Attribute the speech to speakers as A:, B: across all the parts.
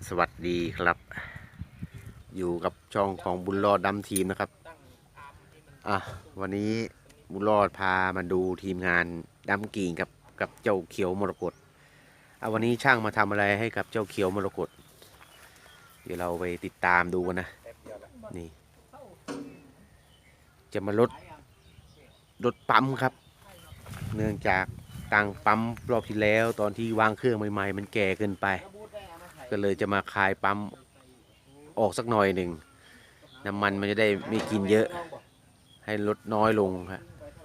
A: สวัสดีครับอยู่กับช่องของบุญรอดดำทีมนะครับวันนี้บุญรอดพามาดูทีมงานดำกิ่งกับเจ้าเขียวมรกตวันนี้ช่างมาทำอะไรให้กับเจ้าเขียวมรกตเดี๋ยวเราไปติดตามดูกันนะนี่จะมาลดปั๊มครับเนื่องจากตั้งปั๊มรอบที่แล้วตอนที่วางเครื่องใหม่ๆมันแก่เกินไปก็เลยจะมาคลายปั๊มออกสักหน่อยหนึ่งน้ำมันมันจะได้ไม่กินเยอะให้ลดน้อยลงครับ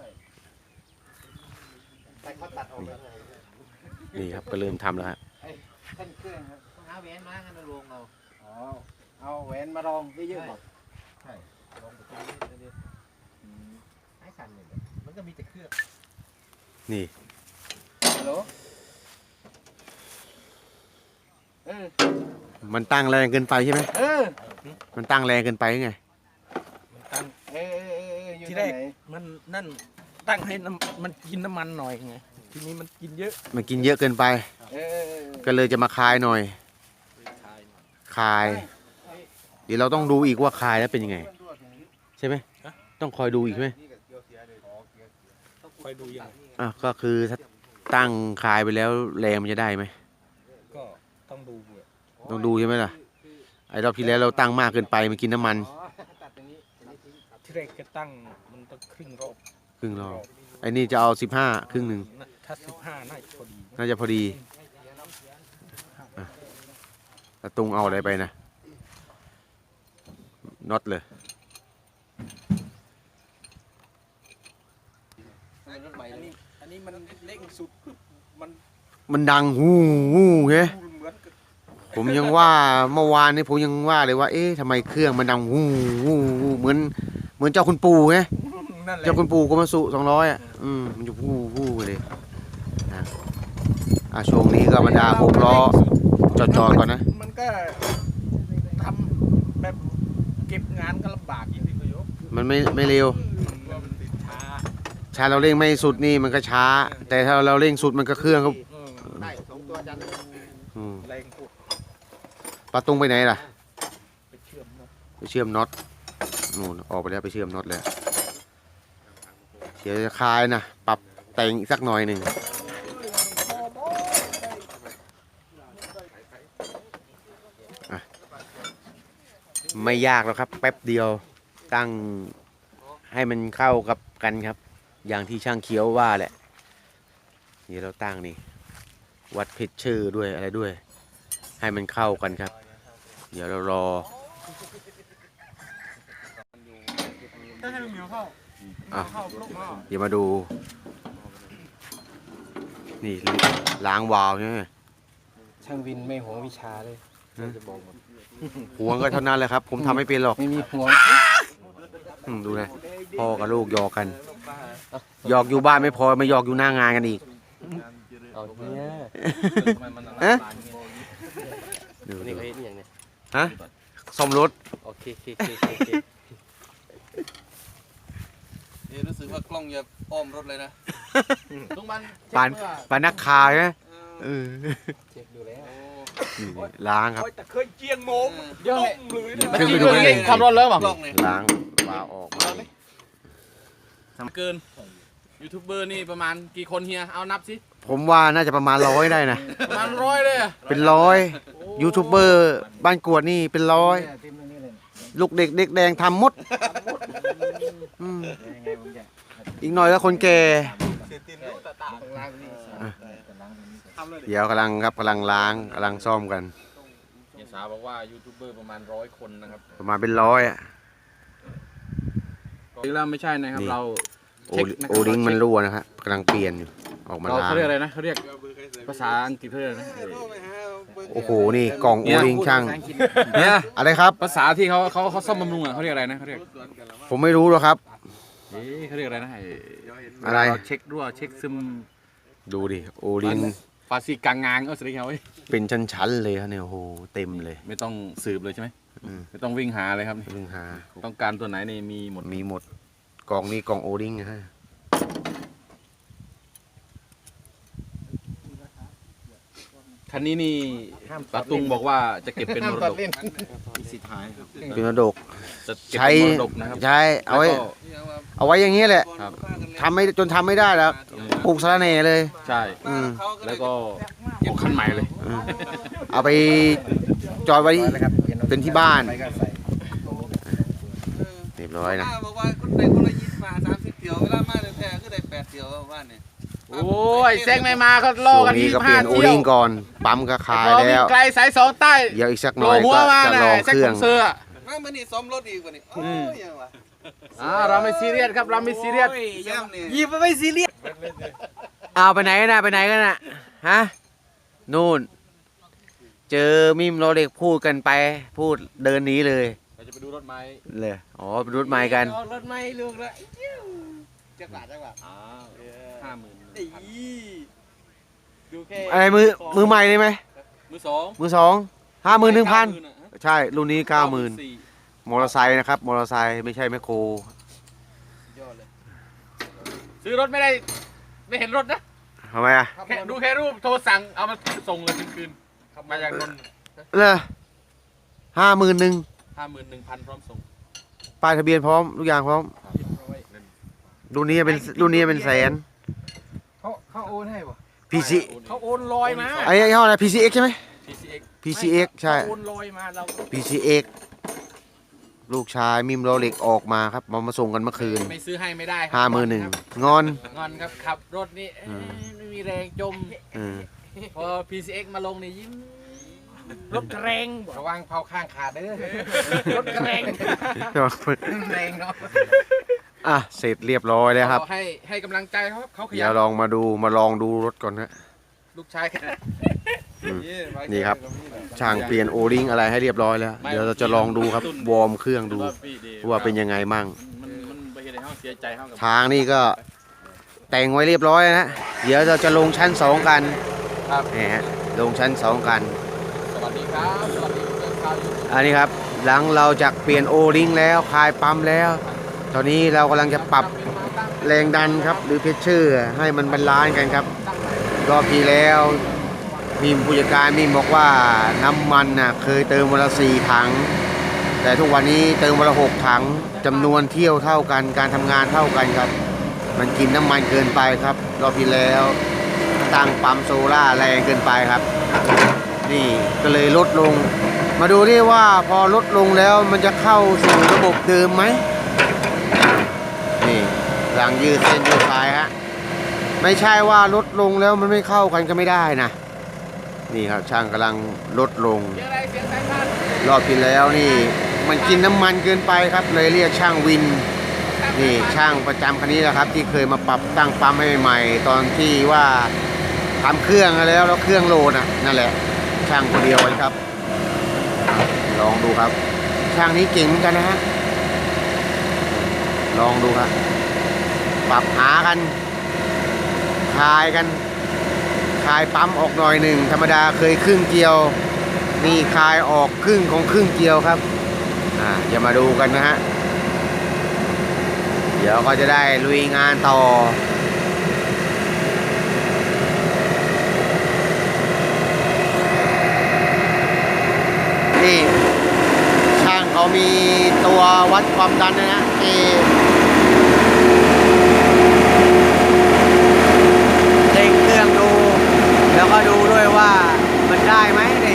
A: นี่ครับก็เริ่มทำแล้วครับ
B: ขึ้นเครื่องครับเอาแหวนมาให้มาลงเราเอาแหวนมาลองเยอะๆหมดใช่ลองไปตรงนี้ให้สั่นเลยมันก็มีแต่เครื่อง
A: นี่
B: ฮัลโหล
A: มันตั้งแรงเกินไปใช่ไหมมันตั้งแรงเกินไปไง
B: มันตั้ง
C: ที่แรกมันนั่นตั้งให้มันกินน้ำมันหน่อยไงทีนี้มันกินเยอะ
A: เกินไปก็เลยจะมาคลายหน่อยคลายเดี๋ยวเราต้องดูอีกว่าคลายแล้วเป็นยังไงใช่ไหมต้องคอยดูอีกไหม
C: ต้องคอยดูยัง
A: ก็คือถ้าตั้งคลายไปแล้วแรงมันจะได้ไหม
C: ก็ต้อง
A: ดูใช่ไหมล่ะไอ้รอบที่แล้วเราตั้งมากเกินไปมันกินน้ำมัน
C: ที่แรกจะตั้งมันต้องครึ่งรอบ
A: ไอ้นี่จะเอา15ครึ่งหนึ่ง
C: ถ้า15
A: น่าจะพอดีตะตุงเอาอะไรไปนะน็อตเลย
C: อันนี้มันเร่งสุด
A: มันดังฮู้ไงผมยังว่าเมื่อวานนี้ผมยังว่าเลยว่าเอ๊ะทำไมเครื่องมันดังฮู้เหมือนเจ้าคุณปู่ไงเจ้าคุณปู่ก็มาสุ200มันจะฮู้เลยช่วงนี้ก็บรรดา6ล้อจอดก่อนนะ
C: มันก็ทำแบบเก็บงานก็ลำบากอย่างที่เขายก
A: มันไม่เร็วช้าเราเร่งไม่สุดนี่มันก็ช้าแต่ถ้าเราเร่งสุดมันก็เครื่องก็
B: ได้2ตัวจัน
C: แรงพูด
A: ปาตุงไปไหนล่ะ
C: ไปเ
A: ชื่อมน็อตนู่นออกไปแล้วไปเชื่อมน็อตแล้วเดี๋ยวจะคลายนะปรับแต่งอีกสักหน่อยหนึ่งไม่ยากแล้วครับแป๊บเดียวตั้งให้มันเข้ากับกันครับอย่างที่ช่างเขียวว่าแหละเดี๋ยวเราตั้งนี่วัดเพชรชื่อด้วยอะไรด้วยให้มันเข้ากันครับเดี๋ยวเรารอเดี๋ยวมาดูนี่ล้างวาล์วใช่ไหม
B: ช่างวินไม่หวงวิชาเลยจะบอก
A: หวงก็เท่านั้นแหละครับผมทำไม่เป็นหรอก
B: ไม่มีหวง
A: ดูนะพ่อกับลูกหยอกกันหยอกอยู่บ้านไม่พอมาหยอกอยู่หน้างานกันอีก
B: นี่เขาเห็นอย่างเนี้
A: ยซ่อมรถ
B: โอเค
C: รู้สึกว่ากล้องจะอ้อมรถเลยนะ
B: ลุงมัน
A: ปานนักข่าวใช่ไหม
B: เช็คดูแล้ว
A: ล้างครับ
C: แต่เคยเจียงโมงเยอะเลย
A: ขึ้นไปดูเลย
B: ขับรถเลยป่ะ
A: ล้างวาล์วออกมา
C: เกินยูทูบเบอร์นี่ประมาณกี่คนเฮียเอานับสิ
A: ผมว่าน่าจะประมาณ100ได้นะ
C: ประมาณ100เลย
A: เป็น100ยูทูบเบอร์บ้านกวดนี่เป็น100ลูกเด็กแดงทำมดอีกหน่อยก็คนแก่เดี๋ยวกำลังล้างกำลังซ่อมกัน
C: เฮียสาวบอกว่ายูทูบเบอร์ประมาณ100คนนะครับ
A: ประมาณเป็น100
C: จริงแล้วไม่ใช่นะครับเรา
A: โอลิงมันรั่วนะครับกำลังเปลี่ยนอยู่ออกมาล้าง
C: เขาเรียกอะไรนะเขาเรียกภาษาอังกฤษเขาเรียกนะ
A: โอ้โหนี่กล่องโอลิงช่างเนี่ยอะไรครับ
C: ภาษาที่เขาซ่อมบำรุงอ่ะเขาเรียกอะไรนะเขาเรียก
A: ผมไม่รู้หรอกครับ
C: เขาเรียกอะไรนะ
A: อะไร
C: เช็ครั่วเช็คซึม
A: ดูดิโอลิง
C: ภาษีกลางงานสิเขา
A: เป็นชั้นๆเลยครับเนี่ยโอ้โหเต็มเลย
C: ไม่ต้องสืบเลยใช่ไหมไม่ต้องวิ่งหาเลยครับ
A: วิ่งหา
C: ต้องการตัวไหนนี่มีหมด
A: กล่องนี้กล่องโอลิงนะฮะ
C: คันนี้นี่ปาตุงบอกว่าจะเก็บเป็นมรดก
B: มีสิทธิ์หายครับ
A: เป็นมรดก
C: จะเก็บ
A: ใช้
C: เป็นมรดกนะครับ
A: ใช้เอาไว้
C: แล้วก็
A: เอาไว้อย่างนี้แหละ
C: ครับ
A: ทำไม่จนทำไม่ได้แล้วปลูกสะระแหน่เลย
C: ใช่
A: อืม
C: แล้วก็เก็บคันใหม่เลย
A: อืมเอาไปจอดไว้เป็นที่บ้าน
B: ไปก็ใส่
A: เรียบร้อยนะ
D: บอกว่าคนใดคนละ20 มา30 เที่ยวเวลามาแต่แท้ก็ได้8 เที่ยวว่าบ้านเนี่ย
C: โอ้ยแซงไม่มาเขาล่อ
A: ช่ว
C: กัน
A: งนี้
C: ที่
A: ก็เปลี่ยนโอ
C: เที่ย
A: ลิ
C: ว
A: งก่อนปั๊มก็ขาย
C: พอวิ่
A: แล้
C: ง
A: ว
C: ไกลสายสองใต้
A: เดี๋ยวอีกสักห
C: โผ
A: น่
C: ล่
A: อย
C: หัว
A: ก็
C: มา
A: จะ
C: น่ะ
A: ลอง
C: แซก
A: เครื่
C: ข
A: อง
C: องเสือ
D: มามื้อนี้ซ้อมรถอีกว่านี่โอ้ยยังวะ
C: เราไม่ซีเรียสครับเราไม่ซีเรียส
D: แซมนี่
C: ยิบไม่ซีเรียส
A: เอาไปไหนกันนะไปไหนกันนะฮะนู่น เจอมิมโรเล็กพูดกันไปพูดเดินหนีเลย
C: เราจะไปดูรถไม้
A: เลยอ๋อเป็นรถไม้กัน
D: รถไม่ลูกละจักบาท
C: อ้าว50,000
D: ดูแค่
A: อะไรมือใหม่เลยไหม
C: มือสอง
A: มือสอง51,000
C: 90,000อะ
A: ใช่รุ่นนี้ 90,000
C: 94,000
A: มอเตอร์ไซค์นะครับมอเตอร์ไซค์ไม่ใช่แมคโคร
D: ยอดเลย
C: ซื้อรถไม่ได้ไม่เห็นรถนะ
A: ทำไมอ่ะ
C: แค่ดูแค่รูปโทรสั่งเอามาส่งเลยคืนๆมาจากนนท์
A: เลย51,000
C: 51,000 พร้อมส่ง
A: ป้ายทะเบียนพร้อมทุกอย่างพร้อมรุ่นนี้เป็นแสน
B: เขาโอนให้ป่ะ
A: PC
C: เขาโอนลอยมา
A: ไอ้ยี่ห้ออะไร PCX ใช่ไหม
C: PCX
A: PCX ใช่
C: เขาโอนลอยมาเรา
A: PCX ลูกชายมิมโรเล็กออกมาครับมาส่งกันเมื่อคืน
C: ไม่ซื้อให้ไม่ได้ครั
A: 51,000งอน
C: งอนครับขับรถนี่ไม่มีแรงจม
A: เออ
C: พอ PCX มาลงนี่ยิ้มรถแรง
B: ระวังเผาข้างขาดเด้อ
C: รถแรง
B: แรงเนาะ
A: อ่ะเสร็จเรียบร้อยแล้วครับ
C: ให้กำลังใจเขาข
A: เดี๋
C: ยั
A: ยวน ลองมาลองดูรถก่อนนะ
C: ลูกชาย
A: อืมนี่ครับ ช่างเปลี่ยนโอริงอะไรให้เรียบร้อยแล้ว เดี๋ยวเราจะลองดูครับวอร์มเครื่องดูว่าเป็นยังไงมั่ง
C: มันไปเห็นให้เขาเสียใจเขากับ
A: ทางนี่ก็แต่งไว้เรียบร้อยนะเดี๋ยวเราจะลงชั้น 2 กัน
C: ครับ
A: นี่ฮะลงชั้น 2 กัน
C: สวัสดีครับสวัสดีเพื่อนชาวยูทูบ
A: อันนี้ครับหลังเราจากเปลี่ยนโอริงแล้วคลายปั๊มแล้ว ตอนนี้เรากำลังจะปรับแรงดันครับหรือเพชเชอร์ให้มันบาลานซ์กันครับรอบที่แล้วมีผู้จัดการมีบอกว่าน้ำมันน่ะเคยเติมวันละ4 ถัง แต่ทุกวันนี้เติมวันละ6 ถังจำนวนเที่ยวเท่ากันการทำงานเท่ากันครับ มันกินน้ำมันเกินไปครับรอบที่แล้วตั้งปั๊มโซล่าแรงเกินไปครับ นี่ก็เลยลดลง มาดูดิว่าพอลดลงแล้วมันจะเข้าสู่ระบบเดิมไหมนี่หลังยืดเส้นยืดสายฮะไม่ใช่ว่าลดลงแล้วมันไม่เข้ากันก็ไม่ได้นะนี่ครับช่างกำลังลดลง
C: เสียงอะไรเสียงสายพาน
A: รอบที่แล้วนี่มันกินน้ำมันเกินไปครับเลยเรียกช่างวินนี่ช่างประจำคันนี้แหละครับที่เคยมาปรับตั้งปั๊มให้ใหม่ๆตอนที่ว่าทำเครื่องแล้วเครื่องโหลดนั่นแหละช่างคนเดียวกันครับลองดูครับช่างนี้เก่งเหมือนกันนะฮะลองดูครับปรับหากันคลายปั๊มออกหน่อยหนึ่งธรรมดาเคยครึ่งเกียวนี่คลายออกครึ่งของครึ่งเกียวครับอย่ามาดูกันนะฮะเดี๋ยวก็จะได้ลุยงานต่อนี่ช่างเขามีตัววัดความดันนะฮะเร่งเครื่องดูแล้วก็ดูด้วยว่ามันได้ไหมนี่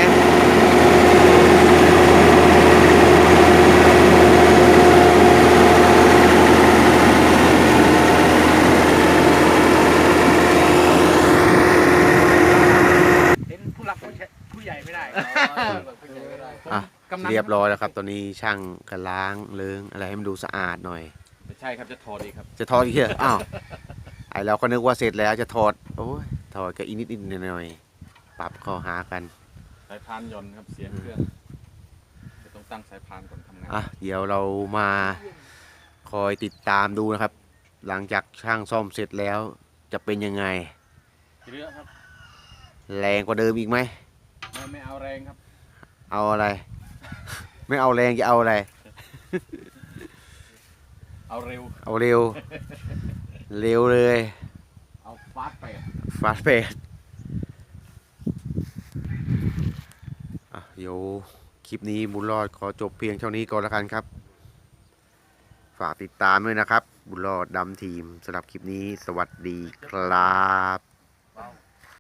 C: เห็นผู้หลักผู้ใหญ่ไม่ได้
A: อ่ะเรียบร้อยแล้วครับตอนนี้ช่างก็ล้างเลื้งอะไรให้มันดูสะอาดหน่อย
C: ไม่ใช่ครับจะถอดอีกครับ
A: จะถอดอีกเหรออ้าวไอเราก็นึกว่าเสร็จแล้วจะถอดโอ้ยถอดก็อีกนิดๆหน่อยๆปรับเข้าหากัน
C: สายพานหย่อนครับเสียงเครื่องจะต้องตั้งสายพานก่อนทำงาน
A: อ่ะเดี๋ยวเรามาคอยติดตามดูนะครับ หลังจากช่างซ่อมเสร็จแล้วจะเป็นยังไง
C: เรือครับ
A: แรงกว่าเดิมอีกไหม
C: ไม่เอาแรงครับ
A: เอาอะไร ไม่เอาแรงจะเอาอะไร
C: เอาเร็ว
A: เอาเร็ว เร็วเลย
C: เอาฟาสต์ไป
A: ฟาสเฟสเดี๋ยวคลิปนี้บุญรอดขอจบเพียงเท่านี้ก่อนแล้วกันครับ ฝากติดตามด้วยนะครับ บุญรอดดำทีมสำหรับคลิปนี้สวัสดีครับ